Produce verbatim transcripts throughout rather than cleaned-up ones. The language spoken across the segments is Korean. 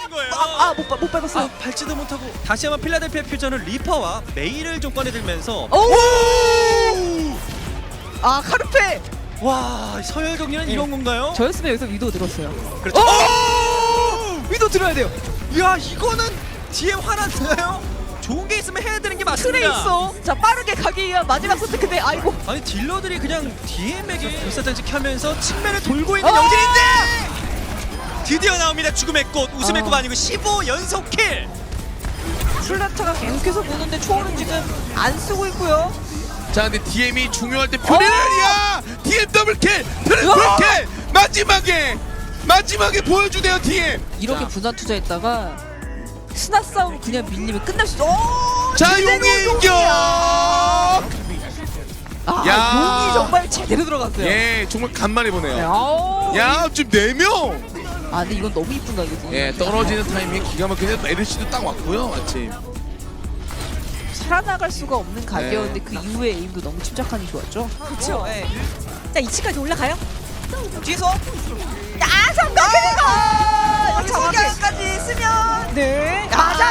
거예요. 아못 못 밟았어요. 아, 밟지도 못하고 다시 한번 필라델피아 퓨전은 리퍼와 메이를 좀 꺼내들면서 오! 아 카르페. 와 서열 정리는 네. 이런 건가요? 저였으면 여기서 위도 들었어요. 그렇죠. 오! 위도 들어야 돼요. 야 이거는 디엠 화났나요? 좋은 게 있으면 해야 되는 게 맞습니다. 틀에 있어. 자 빠르게 가기 위한 마지막 선택인데 아이고. 아니 딜러들이 그냥 디엠에게 불사장치 켜면서 측면을 돌고 있는 어! 영진인데 드디어 나옵니다. 죽음의 꽃, 웃음의 아. 꽃 아니고 십오 연속 킬. 슬라타가 계속해서 보는데 초월은 지금 안 쓰고 있고요. 자 근데 디엠이 중요할 때 표리라니야. 디엠 더블킬, 트리플킬 우와! 마지막에 마지막에 보여주네요 디엠. 이렇게 자, 분산 투자했다가 스나 싸움 그냥 밀리면 끝날 수. 오! 자 제대로 용의 용이야. 인격. 아 야. 용이 정말 제대로 들어갔어요. 예 정말 간만에 네, 보네요. 아우. 야 지금 네 명. 아 근데 이건 너무 이쁜 가격이. 예 떨어지는 타이밍에 기가 막히게 에르시도 딱 왔고요 마침. 살아나갈 수가 없는 각이었는데 네. 그 이후에 에임도 너무 침착하니 좋았죠. 그렇죠. 네. 자 이 층까지 올라가요? 뒤에서 아 성공! 여기 소경까지 쓰면 네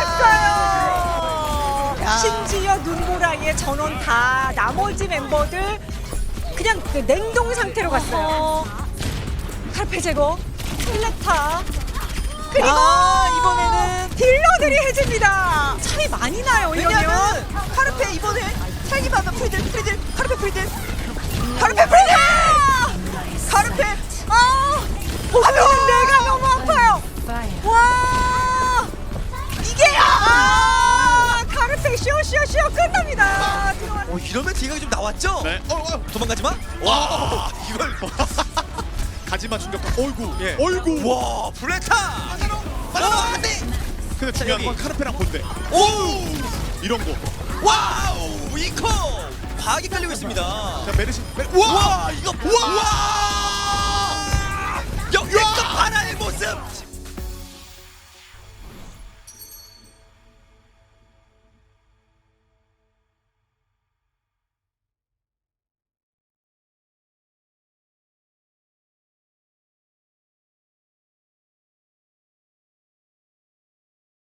맞았어요. 야. 심지어 눈보라의 전원 다 나머지 멤버들 그냥 그 냉동 상태로 갔어요. 칼페 제거, 슬레타 그리고 아, 이번에는 딜러들이 해줍니다. 차이 많이 나요 이러면. 카르페 이번에 차기 받은 프리들 프리들 카르페 프리들 카르페 프리드! 카르페 아! 하면 내가 너무 아파요. 와! 이게 아! 카르페 쇼쇼쇼 끝납니다. 들어와- 어 이러면 딜각이 좀 나왔죠? 네. 어, 어. 도망가지 마. 와, 이걸 가지마 충격파. 어이구. 예. 어이구. 와 블레타. 맞아. 안돼. 근데 중요한 건 여기. 카르페랑 본데. 오. 이런 거. 와우 이코 과하게 깔리고 있습니다. 자, 메르시. 메... 와 이거 와 역대급 하나의 모습